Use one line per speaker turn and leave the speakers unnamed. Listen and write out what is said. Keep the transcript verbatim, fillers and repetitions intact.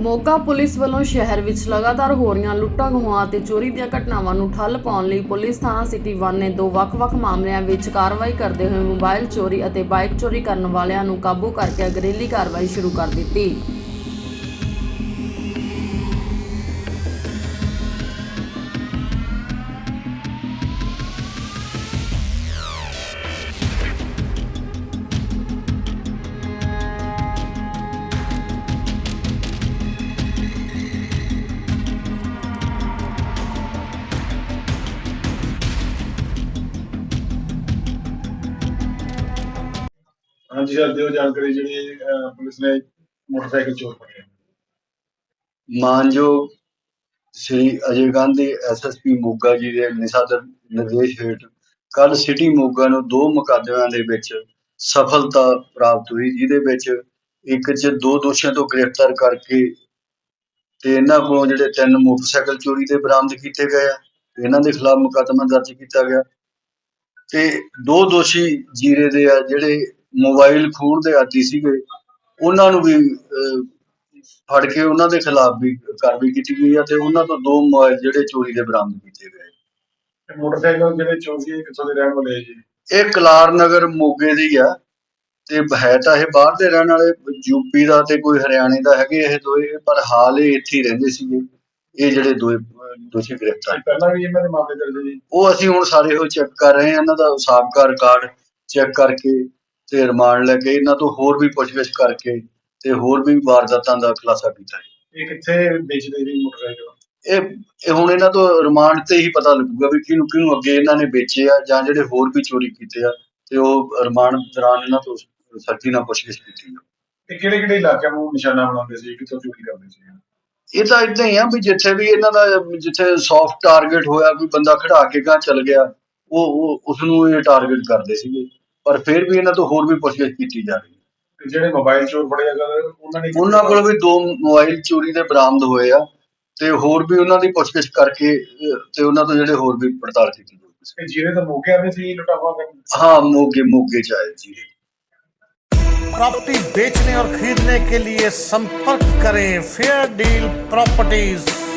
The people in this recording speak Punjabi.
ਮੋਗਾ ਪੁਲਿਸ ਵੱਲੋਂ ਸ਼ਹਿਰ ਵਿੱਚ ਲਗਾਤਾਰ ਹੋ ਰਹੀਆਂ ਲੁੱਟਾਂ ਖੋਹਾਂ ਅਤੇ ਚੋਰੀ ਦੀਆਂ ਘਟਨਾਵਾਂ ਨੂੰ ਠੱਲ ਪਾਉਣ ਲਈ ਪੁਲਿਸ ਥਾਣਾ ਸਿਟੀ ਇੱਕ ਨੇ ਦੋ ਵੱਖ-ਵੱਖ ਮਾਮਲਿਆਂ ਵਿੱਚ ਕਾਰਵਾਈ ਕਰਦੇ ਹੋਏ ਮੋਬਾਈਲ ਚੋਰੀ ਅਤੇ ਬਾਈਕ ਚੋਰੀ ਕਰਨ ਵਾਲਿਆਂ ਨੂੰ ਕਾਬੂ ਕਰਕੇ ਅਗਰੇਲੀ ਕਾਰਵਾਈ ਸ਼ੁਰੂ ਕਰ ਦਿੱਤੀ।
हाँ जी सर, दिओ जानकारी जी पुलिस ने मोटरसाइकिल चोर पकड़े।
मानयोग Shri Ajay Gandhi S S P Moga ji के निसादर निर्देश हेठ कल सिटी मोगा ਨੂੰ दो ਮੁਕੱਦਮਿਆਂ ਦੇ ਵਿੱਚ सफलता प्राप्त हुई, ਜਿਹਦੇ ਵਿੱਚ ਇੱਕ ਚ ਦੋ ਦੋਸ਼ੀਆਂ ਤੋਂ ਗ੍ਰਿਫਤਾਰ ਕਰਕੇ ਤੇ ਇਹਨਾਂ ਕੋਲੋਂ ਜਿਹੜੇ ਤਿੰਨ ਮੋਟਰਸਾਈਕਲ ਚੋਰੀ ਦੇ ਬਰਾਮਦ ਕੀਤੇ ਗਏ ਆ, ਇਹਨਾਂ ਦੇ ਖਿਲਾਫ ਮੁਕੱਦਮਾ ਦਰਜ ਕੀਤਾ ਗਿਆ ਤੇ ਦੋ ਦੋਸ਼ੀ ਜੀਰੇ ਦੇ ਆ ਜਿਹੜੇ ਮੋਬਾਈਲ ਖੋਹਣ ਦੇ ਆਦੀ ਸੀਗੇ, ਉਹਨਾਂ ਨੂੰ ਵੀ ਫੜ ਕੇ ਉਹਨਾਂ ਦੇ ਖਿਲਾਫ ਵੀ ਕਾਰਵਾਈ ਕੀਤੀ ਗਈ ਆ ਤੇ ਉਹਨਾਂ ਤੋਂ ਦੋ ਮੋਬਾਈਲ ਜਿਹੜੇ ਚੋਰੀ ਦੇ ਬਰਾਮਦ ਕੀਤੇ ਗਏ।
ਮੋਟਰਸਾਈਕਲ ਜਿਹੜੇ ਚੋਰੀ ਕਿੱਥੋਂ ਦੇ ਰਹਿਣ ਵਾਲੇ ਜੀ?
ਇਹ ਕਲਾਰ ਨਗਰ ਮੋਗੇ ਦੀ ਆ ਤੇ ਹੈ ਤਾਂ ਇਹ ਬਾਹਰ ਦੇ ਰਹਿਣ ਵਾਲੇ, ਯੂਪੀ ਦਾ ਤੇ ਕੋਈ ਹਰਿਆਣੇ ਦਾ ਹੈਗੇ ਇਹ ਦੋਏ, ਪਰ ਹਾਲ ਇਹ ਇੱਥੇ ਹੀ ਰਹਿੰਦੇ ਸੀਗੇ। ਇਹ ਜਿਹੜੇ ਦੋਏ ਦੋਸ਼ੀ ਗ੍ਰਿਫਤਾਰ
ਪਹਿਲਾਂ ਵੀ ਇਹਨਾਂ ਦੇ ਮਾਮਲੇ ਦਰਜ ਜੀ?
ਉਹ ਅਸੀਂ ਹੁਣ ਸਾਰੇ ਉਹ ਚੈੱਕ ਕਰ ਰਹੇ ਹਾਂ, ਇਹਨਾਂ ਦਾ ਸਾਬਕਾ ਰਿਕਾਰਡ ਚੈੱਕ ਕਰਕੇ ਤੇ ਰਿਮਾਂਡ ਲੈ ਕੇ ਇਹਨਾਂ ਤੋਂ ਹੋਰ ਵੀ ਪੁੱਛਗਿੱਛ ਕਰਕੇ ਤੇ ਹੋਰ ਵੀ ਵਾਰਦਾਤਾਂ ਦਾ ਖੁਲਾਸਾ ਕੀਤਾ ਹੈ।
ਇਹ ਕਿੱਥੇ ਵੇਚਦੇ ਜੀ ਮੋਟਰਸਾਈਕਲ?
ਇਹ ਇਹ ਹੁਣ ਇਹਨਾਂ ਤੋਂ ਰਿਮਾਂਡ ਤੇ ਹੀ ਪਤਾ ਲੱਗੂਗਾ ਵੀ ਕਿਹਨੂੰ ਕਿਹਨੂੰ ਅੱਗੇ ਇਹਨਾਂ ਨੇ ਵੇਚੇ ਆ ਜਾਂ ਜਿਹੜੇ ਹੋਰ ਵੀ ਚੋਰੀ ਕੀਤੇ ਆ, ਤੇ ਉਹ ਰਿਮਾਂਡ ਦੌਰਾਨ ਇਹਨਾਂ ਤੋਂ ਸਖਤੀ ਨਾਲ ਪੁੱਛਗਿੱਛ ਕੀਤੀ ਆ।
ਤੇ ਕਿਹੜੇ ਕਿਹੜੇ ਇਲਾਕਿਆਂ ਨੂੰ ਨਿਸ਼ਾਨਾ ਬਣਾਉਂਦੇ ਸੀ, ਕਿੱਥੋਂ ਚੋਰੀ ਕਰਦੇ ਸੀ?
ਇਹ ਤਾਂ ਏਦਾਂ ਹੀ ਆ ਵੀ ਜਿੱਥੇ ਵੀ ਇਹਨਾਂ ਦਾ ਜਿੱਥੇ ਸੌਫਟ ਟਾਰਗੇਟ ਹੋਇਆ, ਕੋਈ ਬੰਦਾ ਖੜਾ ਕੇ ਗਾਂ ਚੱਲ ਗਿਆ, ਉਹ ਉਸ ਨੂੰ ਇਹ ਟਾਰਗੇਟ ਕਰਦੇ ਸੀਗੇ, ਪਰ ਫਿਰ ਵੀ ਇਹਨਾਂ ਤੋਂ ਹੋਰ ਵੀ ਪੁੱਛਗਿੱਛ ਕੀਤੀ ਜਾ ਰਹੀ ਹੈ।
ਤੇ ਜਿਹੜੇ ਮੋਬਾਈਲ ਚੋਰ ਫੜੇ ਅਗਰ ਉਹਨਾਂ ਨੇ
ਉਹਨਾਂ ਕੋਲ ਵੀ ਦੋ ਮੋਬਾਈਲ ਚੋਰੀ ਦੇ ਬਰਾਮਦ ਹੋਏ ਆ ਤੇ ਹੋਰ ਵੀ ਉਹਨਾਂ ਦੀ ਪੁੱਛਗਿੱਛ ਕਰਕੇ ਤੇ ਉਹਨਾਂ ਤੋਂ ਜਿਹੜੇ ਹੋਰ ਵੀ ਪੜਤਾਲ ਕੀਤੀ ਜਾਊਗੀ।
ਜੀਰੇ ਤੋਂ ਮੋਗੇ ਆਵੇ ਸੀ ਲੁਟਾਵਾ ਕਰਨ?
हाँ, मोगे मोगे चाहे जी।
प्रॉपर्टी बेचने और खरीदने के लिए संपर्क करें फेयर डील प्रॉपर्टीज।